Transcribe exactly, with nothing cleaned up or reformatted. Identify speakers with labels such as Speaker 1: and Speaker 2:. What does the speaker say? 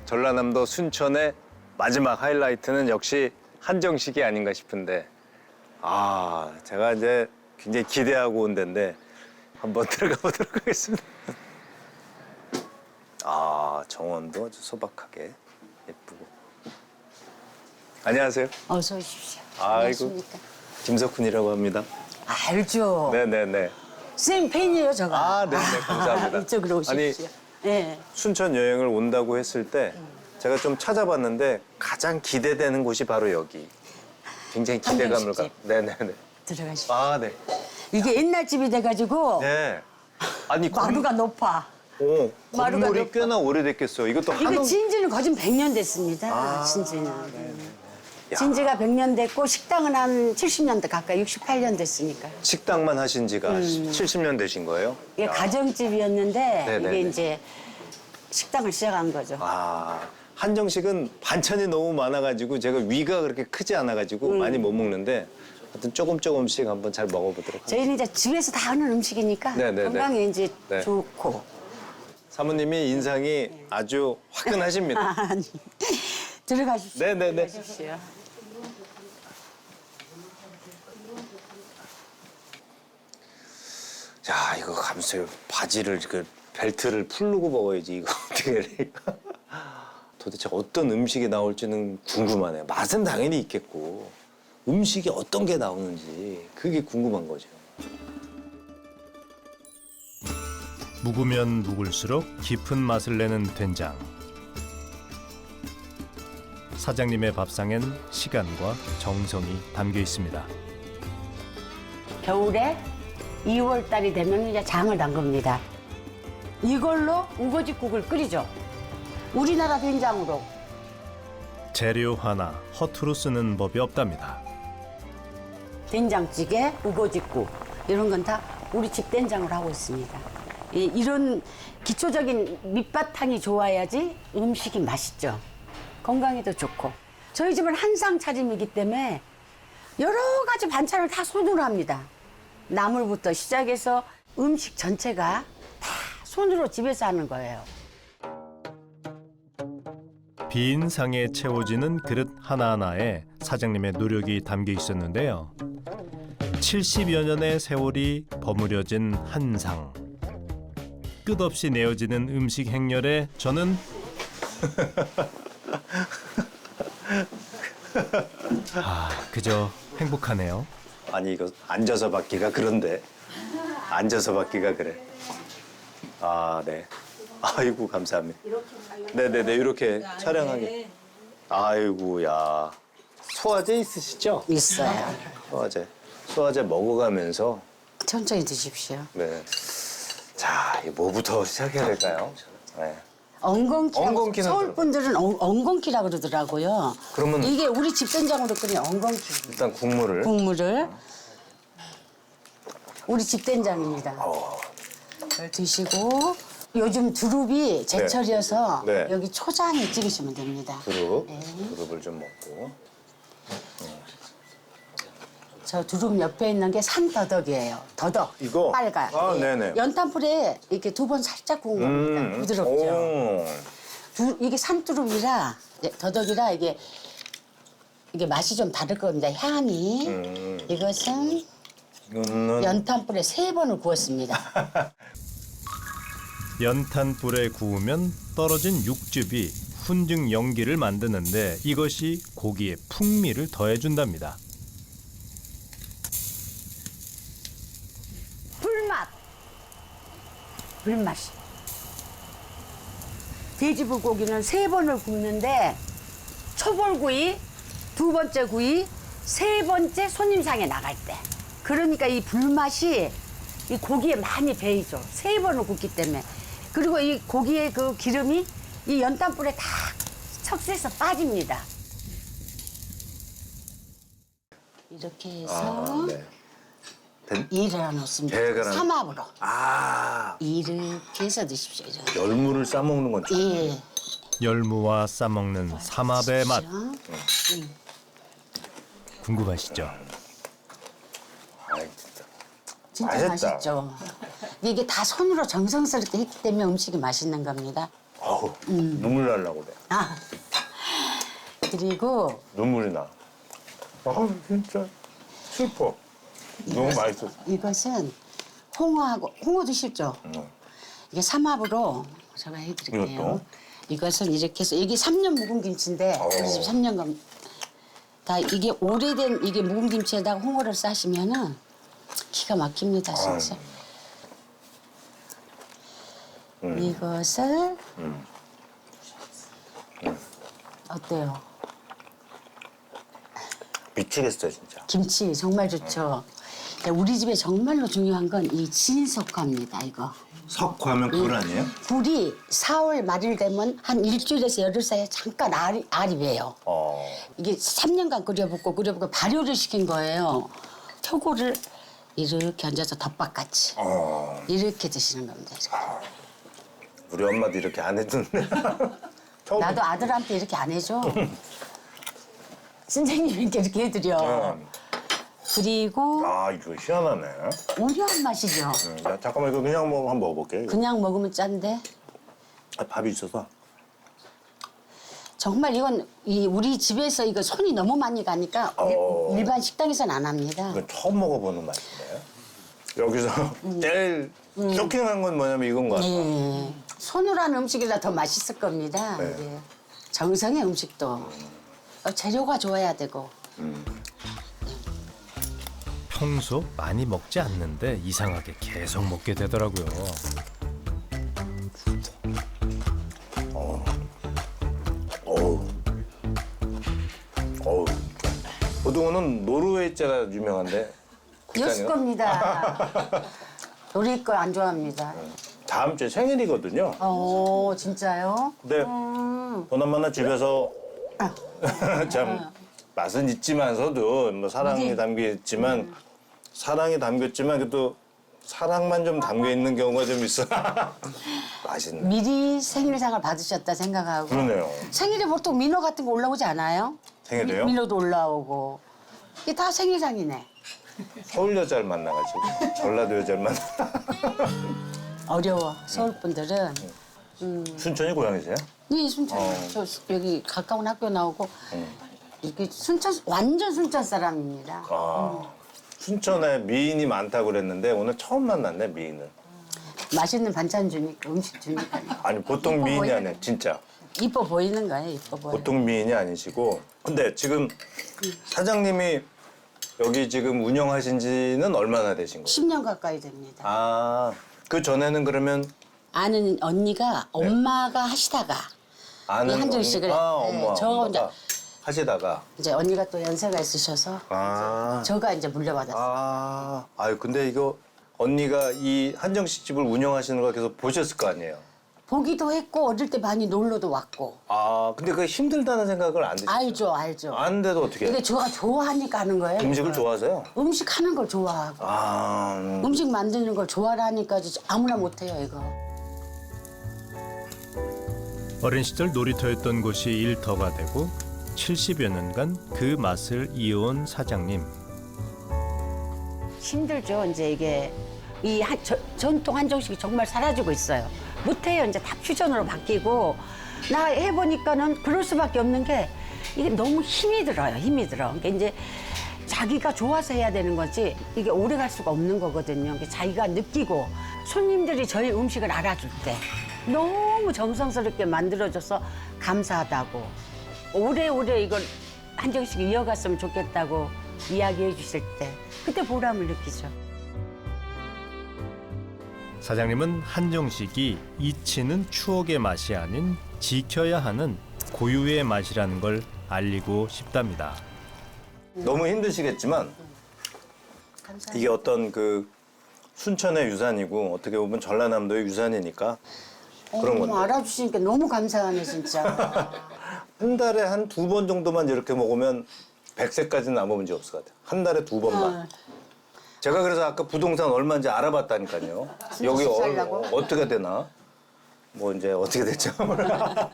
Speaker 1: 전라남도 순천의 마지막 하이라이트는 역시 한정식이 아닌가 싶은데, 아, 제가 이제 굉장히 기대하고 온 데인데 한번 들어가 보도록 하겠습니다. 아, 정원도 아주 소박하게 예쁘고. 안녕하세요.
Speaker 2: 어서 오십시오.
Speaker 1: 아이고.
Speaker 2: 안녕하십니까.
Speaker 1: 김석훈이라고 합니다.
Speaker 2: 알죠.
Speaker 1: 네네네.
Speaker 2: 선생님 팬이에요, 저가.
Speaker 1: 아, 네네, 감사합니다.
Speaker 2: 이쪽으로 오십시오. 네.
Speaker 1: 순천 여행을 온다고 했을 때 제가 좀 찾아봤는데 가장 기대되는 곳이 바로 여기. 굉장히 기대감을 가.
Speaker 2: 한정식집.
Speaker 1: 네네네.
Speaker 2: 들어가십시오.
Speaker 1: 아, 네.
Speaker 2: 이게 옛날 집이 돼가지고
Speaker 1: 네. 아니, 건-
Speaker 2: 마루가 높아.
Speaker 1: 오,
Speaker 2: 마루가
Speaker 1: 건물이
Speaker 2: 높아.
Speaker 1: 꽤나 오래됐겠어요. 이것도
Speaker 2: 이거
Speaker 1: 한옥.
Speaker 2: 진지는 거진 백 년 됐습니다.
Speaker 1: 아,
Speaker 2: 진지는.
Speaker 1: 야.
Speaker 2: 진지가 백 년 됐고 식당은 한 칠십 년대 가까이 육십팔 년 됐으니까.
Speaker 1: 식당만 하신 지가
Speaker 2: 음.
Speaker 1: 칠십 년 되신 거예요?
Speaker 2: 이게
Speaker 1: 야.
Speaker 2: 가정집이었는데
Speaker 1: 네네네.
Speaker 2: 이게 이제 식당을 시작한 거죠.
Speaker 1: 아, 한정식은 반찬이 너무 많아가지고 제가 위가 그렇게 크지 않아가지고
Speaker 2: 음.
Speaker 1: 많이 못 먹는데 하여튼 조금 조금씩 한번 잘 먹어보도록 하겠습니다.
Speaker 2: 저희는 이제 집에서 다 하는 음식이니까
Speaker 1: 네네네.
Speaker 2: 건강에 이제
Speaker 1: 네.
Speaker 2: 좋고.
Speaker 1: 사모님이 인상이 아주 화끈하십니다.
Speaker 2: 아니, 들어가십시오.
Speaker 1: 네네네.
Speaker 2: 들어가십시오.
Speaker 1: 야, 이거 감수요. 바지를 그 벨트를 풀르고 먹어야지 이거 어떻게 해야 될까? 도대체 어떤 음식이 나올지는 궁금하네요. 맛은 당연히 있겠고 음식이 어떤 게 나오는지 그게 궁금한 거죠.
Speaker 3: 묵으면 묵을수록 깊은 맛을 내는 된장. 사장님의 밥상엔 시간과 정성이 담겨 있습니다.
Speaker 2: 겨울에 이월 달이 되면 이제 장을 담급니다. 이걸로 우거지국을 끓이죠. 우리나라 된장으로.
Speaker 3: 재료 하나 허투루 쓰는 법이 없답니다.
Speaker 2: 된장찌개, 우거지국 이런 건 다 우리 집 된장으로 하고 있습니다. 이, 이런 기초적인 밑바탕이 좋아야지 음식이 맛있죠. 건강에도 좋고. 저희 집은 한상 차림이기 때문에 여러 가지 반찬을 다 손으로 합니다. 나물부터 시작해서 음식 전체가 다 손으로 집에서 하는 거예요.
Speaker 3: 빈 상에 채워지는 그릇 하나하나에 사장님의 노력이 담겨 있었는데요. 칠십여 년의 세월이 버무려진 한 상. 끝없이 내어지는 음식 행렬에 저는 아, 그저 행복하네요.
Speaker 1: 아니 이거 앉아서 받기가 그런데 앉아서 받기가 그래. 아, 네. 아이고 감사합니다. 네네네 이렇게 촬영하게. 아이고 야 소화제 있으시죠?
Speaker 2: 있어요.
Speaker 1: 소화제. 소화제 먹어가면서
Speaker 2: 천천히 드십시오.
Speaker 1: 네. 자, 이 뭐부터 시작해야 될까요? 네.
Speaker 2: 엉겅퀴라고
Speaker 1: 엉겅퀴는
Speaker 2: 서울 분들은 엉, 엉겅퀴라고 그러더라고요.
Speaker 1: 그러면-
Speaker 2: 이게 우리 집 된장으로 끓인 엉겅퀴
Speaker 1: 일단 국물을.
Speaker 2: 국물을 우리 집 된장입니다.
Speaker 1: 어.
Speaker 2: 이걸 드시고 요즘 두릅이 제철이어서
Speaker 1: 네. 네.
Speaker 2: 여기 초장에 찍으시면 됩니다.
Speaker 1: 두릅.
Speaker 2: 네.
Speaker 1: 두릅을 좀 먹고.
Speaker 2: 저 두릅 옆에 있는 게 산더덕이에요. 더덕.
Speaker 1: 이거?
Speaker 2: 빨간.
Speaker 1: 아,
Speaker 2: 예.
Speaker 1: 네네.
Speaker 2: 연탄불에 이렇게 두 번 살짝 구운 겁니다. 부드럽죠.
Speaker 1: 오.
Speaker 2: 두, 이게 산두릅이라 예, 더덕이라 이게 이게 맛이 좀 다를 겁니다. 향이.
Speaker 1: 음.
Speaker 2: 이것은
Speaker 1: 이거는
Speaker 2: 연탄불에 세 번을 구웠습니다.
Speaker 3: 연탄불에 구우면 떨어진 육즙이 훈증 연기를 만드는데 이것이 고기의 풍미를 더해준답니다.
Speaker 2: 불맛. 불맛이. 돼지불고기는 세 번을 굽는데 초벌구이, 두 번째 구이, 세 번째 손님상에 나갈 때. 그러니까 이 불맛이 이 고기에 많이 배이죠. 세 번을 굽기 때문에. 그리고 이 고기의 그 기름이 이 연탄불에 다 척수해서 빠집니다. 이렇게 해서
Speaker 1: 아, 네. 된-
Speaker 2: 이를 하나 넣습니다.
Speaker 1: 배가
Speaker 2: 삼합으로.
Speaker 1: 아,
Speaker 2: 이렇게 해서 드십시오. 이렇게.
Speaker 1: 열무를 싸 먹는 건 좋아요.
Speaker 2: 예.
Speaker 3: 열무와 싸먹는 삼합의 맛 궁금하시죠?
Speaker 1: 아이, 진짜.
Speaker 2: 진짜
Speaker 1: 맛있다.
Speaker 2: 맛있죠. 이게 다 손으로 정성스럽게 했기 때문에 음식이 맛있는 겁니다.
Speaker 1: 아, 아우 눈물 날라고 그래.
Speaker 2: 아 그리고
Speaker 1: 눈물이 나. 아 진짜 슬퍼. 너무 맛있어.
Speaker 2: 이것은 홍어하고 홍어도 싫죠?
Speaker 1: 응.
Speaker 2: 이게 삼합으로 제가 해드릴게요.
Speaker 1: 이것도?
Speaker 2: 이것은 이렇게 해서 이게 삼 년 묵은 김치인데
Speaker 1: 어.
Speaker 2: 우리 집 삼 년간 다 이게 오래된 이게 묵은 김치에다가 홍어를 싸시면은 기가 막힙니다 진짜.
Speaker 1: 음.
Speaker 2: 이것을
Speaker 1: 음.
Speaker 2: 어때요?
Speaker 1: 미치겠어 진짜.
Speaker 2: 김치 정말 좋죠. 우리 집에 정말로 중요한 건 이 진석화입니다 이거.
Speaker 1: 석화하면 굴 아니에요?
Speaker 2: 굴이 사월 말일 되면 한 일주일에서 열흘 사이에 잠깐 알이, 알이 배요.
Speaker 1: 어.
Speaker 2: 이게 삼 년간 끓여붓고 끓여붓고 발효를 시킨 거예요. 표고를 이렇게 얹어서 덮밥같이
Speaker 1: 어.
Speaker 2: 이렇게 드시는 겁니다. 이렇게.
Speaker 1: 우리 엄마도 이렇게 안 해줬는데. 처음.
Speaker 2: 나도 아들한테 이렇게 안 해줘. 선생님께 이렇게 해드려.
Speaker 1: 어.
Speaker 2: 그리고
Speaker 1: 아 이거 희한하네.
Speaker 2: 우려한 맛이죠.
Speaker 1: 응, 나 잠깐만 이거 그냥 뭐 한번 먹어볼게. 이거.
Speaker 2: 그냥 먹으면 짠데
Speaker 1: 아, 밥이 있어서.
Speaker 2: 정말 이건 이 우리 집에서 이거 손이 너무 많이 가니까
Speaker 1: 어.
Speaker 2: 일, 일반 식당에서는 안 합니다.
Speaker 1: 이건 처음 먹어보는 맛인데. 여기서 제일 쇼킹한 건 뭐냐면 이건 거 같아.
Speaker 2: 예. 손으로 한 음식이라 더 맛있을 겁니다.
Speaker 1: 네.
Speaker 2: 이게. 정성의 음식도 어, 재료가 좋아야 되고.
Speaker 3: 평소 많이 먹지 않는데 이상하게 계속 먹게 되더라고요.
Speaker 1: 어우. 어우. 고등어는 노르웨이자가 유명한데. 그렇지
Speaker 2: 여수
Speaker 1: 않아요?
Speaker 2: 겁니다. 우리 거 안 좋아합니다.
Speaker 1: 다음 주에 생일이거든요.
Speaker 2: 어 진짜요?
Speaker 1: 근데
Speaker 2: 음.
Speaker 1: 보나마나 집에서 참 맛은 있지만서도 뭐 사랑이
Speaker 2: 미리.
Speaker 1: 담겨 있지만 사랑이 담겼지만 그래도 사랑만 좀 담겨 있는 경우가 좀 있어. 맛있네.
Speaker 2: 미리 생일상을 받으셨다 생각하고.
Speaker 1: 그러네요.
Speaker 2: 생일에 보통 민호 같은 거 올라오지 않아요?
Speaker 1: 생일에요?
Speaker 2: 미, 민호도 올라오고. 이게 다 생일상이네.
Speaker 1: 서울 여자를 만나가지고 전라도 여자를 만나.
Speaker 2: 어려워. 서울 분들은.
Speaker 1: 순천이 고향이세요?
Speaker 2: 네, 순천.
Speaker 1: 어.
Speaker 2: 저 여기 가까운 학교 나오고 이렇게 순천 완전 순천 사람입니다.
Speaker 1: 아, 순천에 미인이 많다고 그랬는데 오늘 처음 만났네 미인을.
Speaker 2: 맛있는 반찬 주니까 음식 주니까
Speaker 1: 아니 보통
Speaker 2: 이뻐
Speaker 1: 미인이
Speaker 2: 보이는
Speaker 1: 아니에요 진짜.
Speaker 2: 이뻐 보이는 거예요. 이뻐 보여.
Speaker 1: 보통 미인이 아니시고. 근데 지금 사장님이 여기 지금 운영하신 지는 얼마나 되신 거예요?
Speaker 2: 십 년 가까이 됩니다.
Speaker 1: 아, 그 전에는 그러면
Speaker 2: 아는 언니가 엄마가 하시다가
Speaker 1: 아는
Speaker 2: 이 한정식을
Speaker 1: 언니- 아,
Speaker 2: 네,
Speaker 1: 엄마,
Speaker 2: 저
Speaker 1: 엄마가
Speaker 2: 혼자
Speaker 1: 하시다가
Speaker 2: 이제 언니가 또 연세가 있으셔서
Speaker 1: 아,
Speaker 2: 저가 이제 물려받았어요.
Speaker 1: 아, 아유 근데 이거 언니가 이 한정식 집을 운영하시는 걸 계속 보셨을 거 아니에요?
Speaker 2: 보기도 했고 어릴 때 많이 놀러도 왔고
Speaker 1: 아, 근데 그 힘들다는 생각을 안 드시죠?
Speaker 2: 알죠, 알죠.
Speaker 1: 아는데도 어떻게 해요?
Speaker 2: 근데 저가 좋아하니까 하는 거예요.
Speaker 1: 음식을 좋아하세요?
Speaker 2: 음식 하는 걸 좋아하고
Speaker 1: 아, 음.
Speaker 2: 음식 만드는 걸 좋아하니까 아무나 못해요 이거.
Speaker 3: 어린 시절 놀이터였던 곳이 일터가 되고 칠십여 년간 그 맛을 이어온 사장님.
Speaker 2: 힘들죠. 이제 이게 이 한, 저, 전통 한정식이 정말 사라지고 있어요. 못해요. 이제 다 퓨전으로 바뀌고 나 해보니까는 그럴 수밖에 없는 게 이게 너무 힘이 들어요. 힘이 들어. 그러니까 이제 자기가 좋아서 해야 되는 거지 이게 오래 갈 수가 없는 거거든요. 그러니까 자기가 느끼고 손님들이 저희 음식을 알아줄 때 너무 정성스럽게 만들어줘서 감사하다고 오래오래 이걸 한정식 이어갔으면 좋겠다고 이야기해 주실 때 그때 보람을 느끼죠.
Speaker 3: 사장님은 한정식이 잊히는 추억의 맛이 아닌 지켜야 하는 고유의 맛이라는 걸 알리고 싶답니다.
Speaker 1: 너무 힘드시겠지만
Speaker 2: 감사합니다.
Speaker 1: 이게 어떤 그 순천의 유산이고 어떻게 보면 전라남도의 유산이니까 그런
Speaker 2: 어머,
Speaker 1: 건데.
Speaker 2: 알아주시니까 너무 감사하네 진짜.
Speaker 1: 한 달에 한 두 번 정도만 이렇게 먹으면 백 세까지는 아무 문제 없을 것 같아요. 한 달에 두 번만.
Speaker 2: 어.
Speaker 1: 제가 그래서 아까 부동산 얼마인지 알아봤다니까요. 여기
Speaker 2: 살라고?
Speaker 1: 어, 어떻게 되나? 뭐 이제 어떻게 됐죠? 몰라.